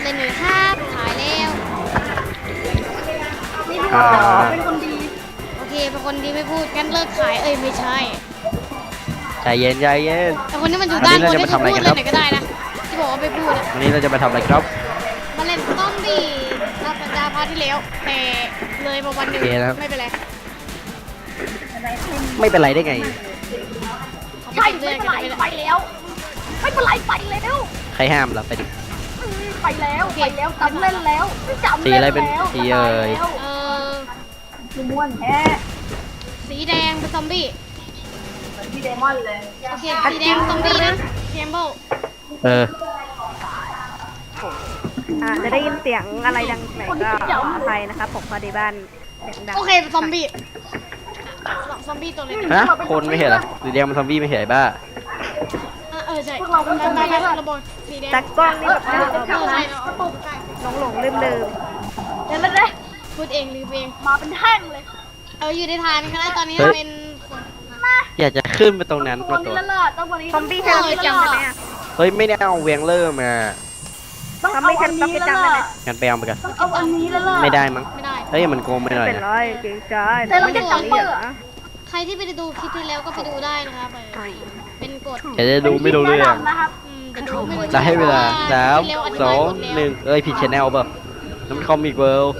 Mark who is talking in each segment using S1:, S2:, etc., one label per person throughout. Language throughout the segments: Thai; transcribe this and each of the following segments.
S1: เลยหน่อยครับขายแล้ว
S2: นี่พี่บอกเป็นคนดี
S1: โอเคเป็นคนดีไม่พูดงั้นเลิกขายไม่ใช่
S3: ใจเย็นใจเย็น
S1: แต่คนนี้มันอยู่ด้านบน
S3: วันนี้
S1: ได้
S3: เราจะ
S1: ที่
S3: มาทำอะไร
S1: พูด
S3: กัน ครับ
S1: เลยไหนก็ได้นะที่บอกว่าไม่พูดอะ
S3: วันนี้เราจะมาทำอะไรครับ
S1: มาเล่นซอมบี้รับสัญญาพาร์ทที่แล้วแต่เลยมาวันหนึ่ง
S3: โอเคนะครับ
S1: ไม่เป็นไร
S3: ไม่เป็นไรได้ไง
S2: ใช่ไม่เป็นไรไปแล้วไม่เป็นไรไปแล้ว
S3: ใครห้ามเราไปดิ
S2: ไปแล้วจำเล่นแล้วจำ
S3: สี
S2: เล่น
S3: อะไร
S2: แล้ว
S3: เป็นสีเอ่ย
S2: คือม้วนแท้
S1: สีแดงเป็นซอมบี้
S2: เหมือนพี่เดมอนเลย
S1: โอเคสีแดงซอมบี้นะเคมเบิล
S3: เออ
S4: จะได้ยินเสียงอะไรดังไหนก็ขออภัยนะครับผมพอดีบ้านเสียงดัง
S1: โอเคเป็นซอมบี้ซอมบี้ตัวเล็ก
S3: ฮะคนไม่เห็นเหรอสีแดงมันซอมบี้ไม่เห็นไอ้บ้า
S1: ใช่ไประบบสีแดง
S4: แต่กล้องนี่แบบ
S1: ใช่
S4: หลงลืม
S2: เดี๋ยวเลย
S1: พูดเองหรือเอง
S2: มาเป็นแท่งเลย
S1: อยู่ในทางนี้นะตอนนี้เป็นคน
S3: อยากจะขึ้นไปตรงนั้น
S2: ตัว
S3: มาตัว
S2: นี้ละเลิศต้องวันนี้
S4: ซอมบี้แค่เราจำได้ไหมอ่ะ
S3: เฮ้ยไม่ได้เอาเวียงเลอร์มา
S2: ต้องเอาอันนี้ละเลิศ
S3: งั้นไปเอามากัน
S2: ต้องเอาอันนี้ละเลิศ
S3: ไม่ได้มั้ง
S1: ไม่ได้
S3: เฮ้ยมันโกงไปหน่อย
S4: เป็น
S3: นะ
S4: ไรเก่งใจ
S2: แต่เราจะจำเปิด
S1: ใครที่ไปดูคลิปที่แล้วก็ไปดูได้นะครับเป็นกฎ
S3: เดี๋ยวจะดูไม่รู้เรื่อง
S2: นะครับ
S1: แต่ดูไม่รู้
S3: จะให้เวลาสาม
S1: ที่แล้วธิ
S3: ส
S1: บา
S3: อย ง
S1: กฎแล้ว
S3: หนึ่งเอ้ยผิดชแนลเปล่าน้ำคอมิกเวิลด์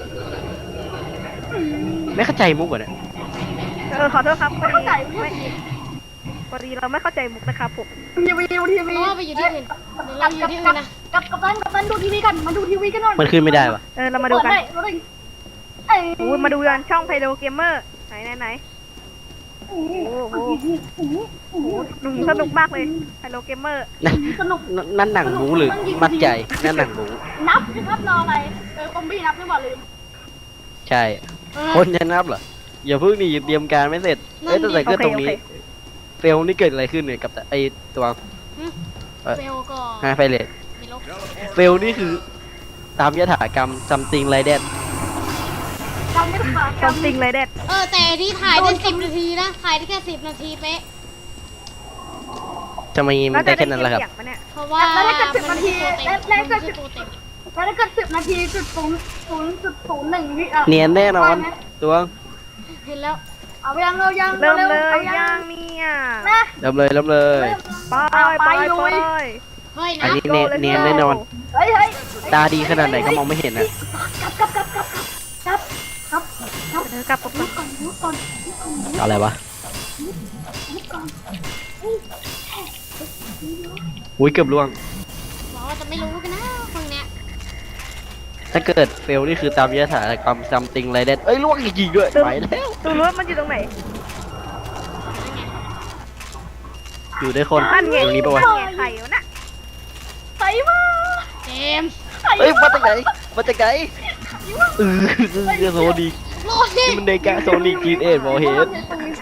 S3: ไม่เข้าใจมุกเหรอเนี่ย
S4: ขอโทษครับพอ
S2: เข้า
S4: ดี
S2: ใจ
S4: พอดีเราไม่เข้าใจมุกนะครับผม
S2: ทีวีดูที
S1: เพ
S2: วี
S1: ราะว่าไปอยู่ที่อื่นเราอยู่ที่อื่นนะ
S2: กับตันดูทีวีกันมาดูทีวีกันหน่อย
S3: มันขึ้นไม่ได้ปะ
S4: เรามาดูกัน
S2: เราได้
S4: มาดูกันช่องไพโดเกมเมอร์ไหนโอ้โหสนุกมากเลยไพโดเกมเมอร์
S2: สนุก
S3: นั่นหนังหมูหรือมัดใจนั่นหนังหมู
S2: นับนะครับรออะไรคอมบี้นับหรือเปล่าลืม
S3: ใช่ คนจะนับเหรออย่าเพิ่งนี่เตรียมการไม่เสร็จเอ้ยตั้งแต่เกิดตรงนี้เฟลนี่เกิดอะไรขึ้นเนี่ยกับไอตัว
S1: เฟลก็
S3: ฮะไฟเลต
S1: ไม่ลบ
S3: เฟลนี่คือตามยถากรรม something like that
S2: จำไม่ได้ค่ะ
S4: จำจริงเลยเด็ด
S1: แต่ที่ถ่ายได้10 นาทีนะถ่ายได้แค่10 นาทีเป๊ะ
S3: ทำไมมันได้แค่นั้นล่ะครับ
S1: เพราะว่า
S2: แล้วถ้าเกิด10 นาที
S1: แล้วก็10 นาที
S2: แล้วถ้าเกิด10 นาที0.0.01วิ
S3: เนียนแน่นอนตัว
S1: เห็นแล้ว
S2: เอายังเรายัง
S4: เริ่มเลย
S2: เอา
S4: ย่างเนี่ย
S2: นะ
S3: เริ่มเลยเริ่มเลย
S4: ไป
S1: เฮ้ย
S3: อัน
S1: นะ
S3: นี้เนียนแน่นอน
S2: เฮ้ยเฮ้ย
S3: ตาดีขนาดไหนก็มองไม่เห็นนะ
S4: กลับก่อน
S3: เอาอะไรวะอุ้ยเกือบล่วง
S1: บอกว่าจะไม่รู้กันนะคนเนี้ย
S3: ถ้าเกิดเฟลนี่คือตามยถากรรม something like that เอ้ยล่วงจริงๆด้วยไปแล้ว
S4: ดูรู้ว่ามันอยู่ตรงไหน
S3: อยู่ด้วยคน
S4: นั่นไง
S3: ตรงนี้ปะวะ
S4: ไข่วะน่ะ
S2: ใส่มา
S1: เจมส์
S3: เอ้ยมาจากไหนมาจากไหนโซนิก
S1: โลดิ
S3: นี่มันเดกะโซนิกจีนเอ็ดบอเฮด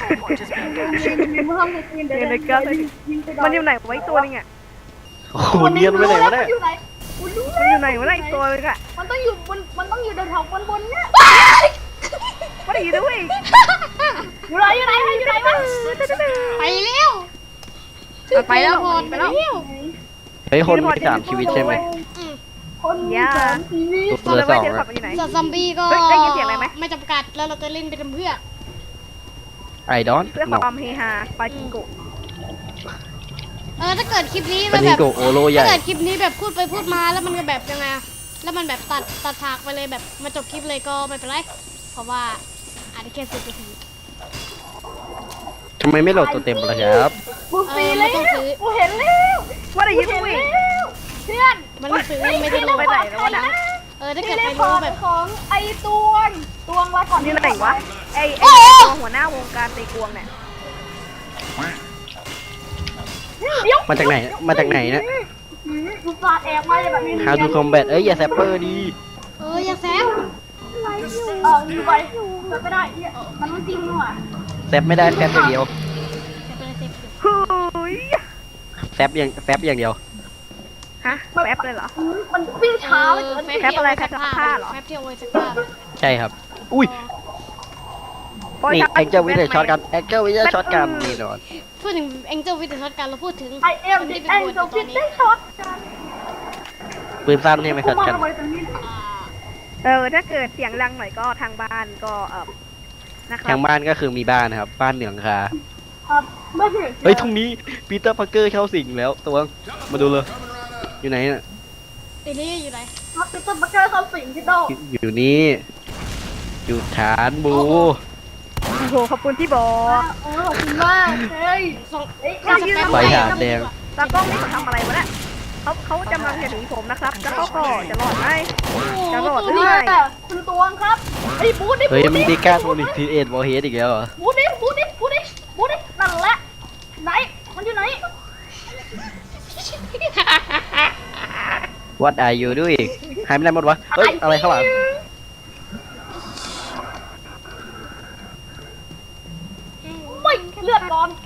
S4: มันอยู่ไหนไว้ตัวนึงอ่ะ
S3: โอ้โหเนียนไปไหนวะเนี่ย
S2: อยู่ไหน
S4: มันอยู่ไหนวะไอ้ตัวนึงอ่ะ
S2: มันต้องอยู่บนแถวบนเนี่ย
S4: มันอยู่ด้วย
S2: อยู่ไหนอยู่ไหนอยู่ไหนวะ
S1: ไปเร็ว
S4: ไปแล้ว
S1: พอดไปเร็ว
S3: เฮ้ยคนมี3 ชีวิตใช่ไหม
S2: คนมีสองชีวิต
S3: ตัวละ2
S4: เจอ
S3: นะ
S4: ขับมันอยู่ไหน
S1: ส่วนซอมบี้ก็
S4: ได้ยินเสียงอะไรไหม
S1: ไม่จำกัดแล้วเราจะเล่นไปทำเพื่อ
S3: ไอดอน
S4: เพื่อความเฮฮาปาจิงโก
S1: ถ้าเกิดคลิปนี้
S3: ปา
S1: มัน
S3: นิ
S1: แบบ
S3: โกโอโลให
S1: ถ้า
S3: ญ่
S1: เกิดคลิปนี้แบบพูดไปพูดมาแล้วมันก็แบบยังไงอะแล้วมันแบบตัดฉากไปเลยแบบมาจบคลิปเลยก็ไม่เป็นไรเพราะว่าอาจจะแค่10 นาที
S3: ทำไมไม่โหลดตัวเต็มล่ะครับ
S2: กูซีแล้วกูเห็นแล้ว
S4: ว่าได้ยิน
S2: เห็น
S4: ด้วย
S2: แล้วเพื่อน
S1: มันไม่ซื้อไม่ได้ดู
S4: ไปไหนแล้ววะนะ
S1: ถ้า
S2: ที่
S1: เกิด
S2: ได้
S1: ไป
S2: ขอ
S1: รู้
S2: ง
S1: แบบ
S2: ของไอตวงละก่อน
S4: อยู่ไหนวะไอ้ตัวหัวหน้าวงการตีกวงเนี่ย
S3: มาจากไหนมาจากไหนนะ
S2: กูสาดแอบมาแบบนี้
S3: How to combat เอ้ยอย่าแซปเปอร์ดี
S1: อย่าแซง
S2: อยู่ไปไม่ได้มันไม่จริงว่ะ
S3: แซปไม่ได้แซปอย่างเดียว
S4: เฮ้ย
S3: แซปอย่างเดียว
S4: ฮะแป๊บเลยเหรอ
S2: มันวิ่งช้าเลย
S1: แฟบที่เอาไว้สักผ้า
S3: ใช่ครับ อุ้ยนี่แองเจิลวิทย์ช็อตกันแองเจิลวิทย์ช็อตกันนี่นอน
S1: พูดถึง Angel with the Shotgun เราพูดถึง
S2: ไอเอ็มดิแองโจฟิตได้ช็อตกัน
S3: ปืนสั้นใช่ไหมครับ
S2: มา
S3: กัน
S2: ทำไมตรงนี้
S4: ถ้าเกิดเสียงดังหน่อยก็ทางบ้านก็นะครั
S3: ทา
S4: บ
S3: งบ้านก็คือมีบ้านนะครับบ้านเหนืองคา
S2: ครับไม่เห็น
S3: เฮ้ยตรงนี้ปีเตอร์พาร์เกอร์เข้าสิงแล้วตัวมาดูเลยอยู่ไหนน่ะ
S1: ตีนี้อยู่ไหน
S2: ครับจะต้องมาเจอคำสิ่งที่โต
S3: อยู่นี่อยู่ฐานบู
S4: โอ้โหขอบคุณที่บอก
S2: ขอบคุณมากเฮ้ย
S1: สอง
S2: เฮ้ย
S3: ไฟฐานแดง
S4: ตากล้องนี่เขาทำอะไรวะเนี่ยเขากำลังจะหนีผมนะครับแล้วเขาก็จะรอดไหมจะรอดหรือ
S2: นี่
S4: ไม่
S2: คุณตวงครับไอ้บูดดิ
S3: เฮ้ยมันดีก้าโทนิกทีเอ็ดวอลเฮดอีกแล้วเหรอ
S2: บูดดินั่นแหละไหนมันอยู่ไหน
S3: What are you doing หายไปไหนหมดวะเฮ้ยอะไรข้างหลัง
S2: ไม่เลือดร้อน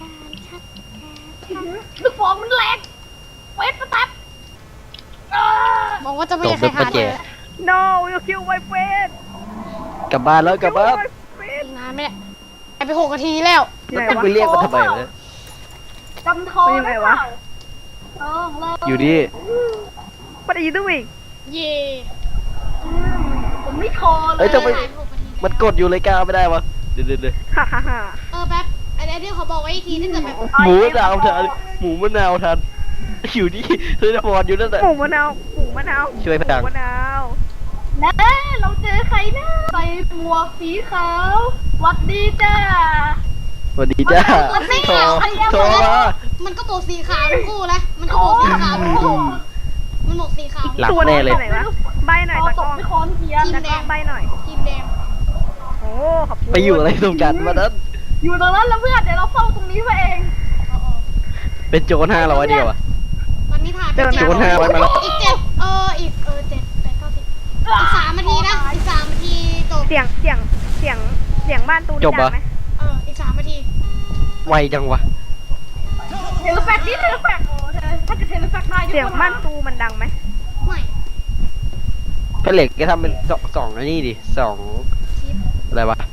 S2: ลูกฟองมันแรงเฟสประทับ
S1: มองว่าจะไม่มีใครหาเจอ
S4: no you kill my friend
S3: กลับบ้านแล้วกลับบ้าน
S1: อีกนานไหมเนี่ยไอไป6 นาทีแล้ว
S3: แล้วต้องไปเรียกมันทำไมวะ
S2: จำทองได้เปล่าเรา
S3: อยู่นี่
S4: What are you doing
S1: เย่
S2: ผมไม่ทอเล
S3: เฮ้
S2: ย
S3: ยทำไมมันกดอยู่เลยก้าไม่ได้วะเดี๋ยว
S4: ฮ่าฮ่าฮ่า
S1: แป๊บไอ้ที่เขาบอกไว้อีกทีถ้าเกิดแบบ
S3: หมูมะนาวทันหมูมะนาวทันอยู่นี่เธอจะบอลอยู่นั่นแหละ
S4: หมูมะนาวหมูมะนาว
S3: ช่วยพลัง
S4: หมูมะนาว
S2: นะเราเจอใครนะใส่หมวกสีขาวหวัดดีจ้า
S3: สวัสดีจ้าโทรมา
S1: มันก็หมวกสีขาวทั้งคู่นะมันก็หมวกสีขาวทั้งคู่มันหมวกสีขาว
S3: หลับ
S4: ตัว
S3: แน่เลย
S4: ไหนวะใบหน่อย
S2: เรา
S4: ตะ
S2: ต
S4: ก
S2: ก
S4: ล้อง
S2: ไปคอนเทียน
S4: ตะกล้องใบหน่อย
S1: ทีมแดง
S4: โอ้ขอบคุณ
S3: ไปอยู่อะไรตรงกันมานั้น
S2: อยู่ตรงนั้นแล้วเพื่อนเดี๋ยวเราเฝ้าตรงนี้ไว้เอง
S3: เป็นโจร500เดียวอะ
S1: ตอนนี้ถ่ายไป
S3: โจร500มาแล้ว
S1: อีกอีก7 8 9 10อีก3 นาทีนะอีก3 นาทีจบ
S4: เสียงบ้านตูน
S3: จบปะ
S4: ดังไหม
S1: อีก3 นาที
S3: ไวจังวะ
S2: เทเลแฟกนี่เทเลแฟกโอ้ถ้าเกิดเทเลแฟกได้
S4: เสียงบ้านตูมันดังไหม
S1: ไม่
S3: เพนเหล็กก็ทำเป็นสองอันนี้ดิสอง
S1: ชิป
S3: อะไรวะ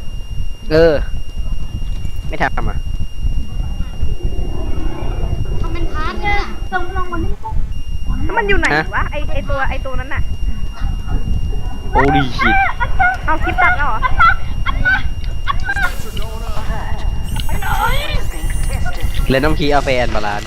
S3: ไม่ทำอ่ะ
S1: ทำเป็นพาร์ทเลยอะ
S2: ตรงลงมันนี่
S4: แล้วมันอยู่ไหนวะไอตัวนั้นน่ะ
S3: โอ้ดีชิต
S4: เอาคลิปตัดแล้วเหรอ
S3: เลยน้ำคีอาเฟนบาลาน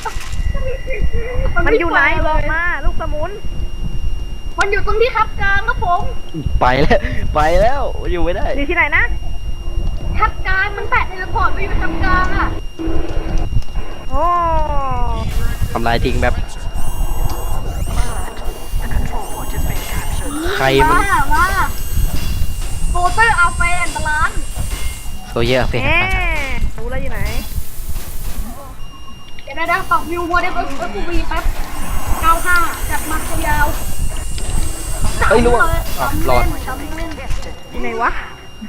S4: มันอยู่ไหนบอกมาลูกสมุน
S2: มันอยู่ตรงที่คับกลางครับผม
S3: ไปแล้วอยู่ไม่ได้
S4: อยู่ที่ไหนนะ
S2: คับกลางมันแตะเทเลพอร์ตไปอยู่คับกลางอ่ะ
S4: โอ้
S3: ทำลายทิ้งแบบใครมัน
S2: มาโฟเตอร์อาเฟนบาลาน
S3: โซเยอร์อาเฟน
S4: แหมรู้แล้วอยู่ไหน
S2: เดี๋ยวได้ปรับวิวโมเดลSUVแป๊บ95จัดมายาว
S3: เฮ้ยล่วงรอด
S4: อยู่ไหนวะ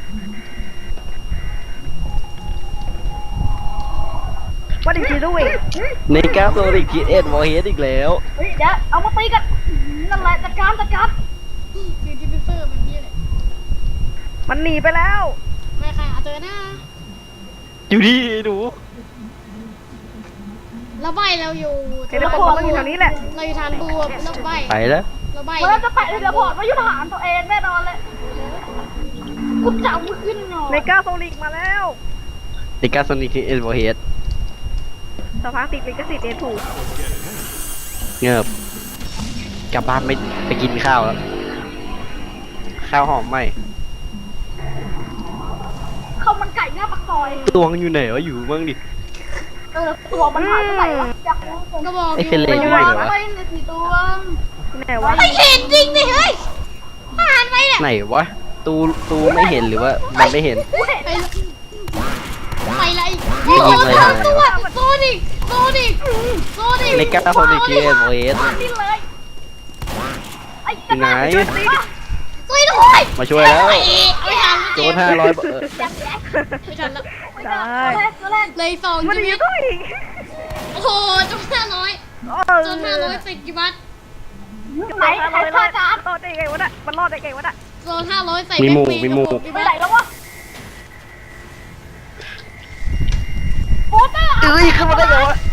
S4: ว่าดิจิด้วย
S3: ในกราฟโซลิกทีเอ็ดวอลเฮดอีกแล้ว
S2: เฮ้ยเดี๋ยวเอามาตีกันนั่นแหละจัดการ
S1: คือที่เป็นเซอร์แบบนี้เลย
S4: มันหนีไปแล้ว
S1: ไม่ใครหาเจอหน้า
S3: อยู่ดีหนู
S1: แล้วใบเราอยู่
S4: เทเลพอร์ตมันอยู่แถวนี้แหละ
S1: เราอยู่ทานบูแล้วใบ
S3: ไปแล้ว
S1: เราใบ
S2: เราจะแตะเทเลพอร์ตมายุทธหารตัวเองแน่นอนเลยกูจะเอามือขึ้นหน่อย
S4: ในก้าโซลิกมาแล้ว
S3: ในกราฟโซลิกทีเอ็ดวอลเฮด
S4: สภาพติดลิขสิทธิ์เอถูก
S3: เงียบกลับบ้านไม่ไปกินข้าวแล้วข้าวหอมไหม
S2: ข้าวมันไก่หน้าปากซอย
S3: ตัวมันอยู่ไหนวะอยู่บ้างดิ
S2: ตัวมันหายไปไหนวะอยากรู้ผม
S1: ก็บอก
S3: ไอ้
S1: อ
S3: เฟล
S1: ยู่
S3: เล่อยู่ไหนวะ
S2: ไปเลยสีตัว
S4: ที่ไหนวะ
S1: ไม่เห็นจริงดิเฮ้ยผ่านไปเนี่ย
S3: ไหนวะตูไม่เห็นหรือว่ามันไม่เห็น
S1: ไปเลย
S3: ยิงเลย
S1: ทำตัวโซนิก
S3: ในกราฟโซลิกทีเอ็ดวอลเฮด
S2: นี่เลยไอ้
S3: อยู่ไหน
S1: ช่วยด้วย
S3: มาช่วยแล้ว
S1: ไม่ทัน
S3: โจร500
S1: ไม่ทันแล้ว
S4: ได้
S2: ตัวแรก
S1: เลยสอง
S4: มัน
S1: ชี
S4: หนี
S1: วิต
S4: ด้วย
S1: โอ้โหจน500ติดกี่บาท
S2: ไหนใครฆ่าจาน
S4: รอดได้ไงวะน่ะมันรอดได้ไงวะน่ะ
S1: โซน500ใส่
S3: มีหมู่
S1: แบ็ค
S3: มีหมู่
S1: กับกี่
S2: ไป
S1: บาท
S2: ไหนแล้ววะโฟเตอร์
S3: เอ้ยขึ้นมาได้ไงวะ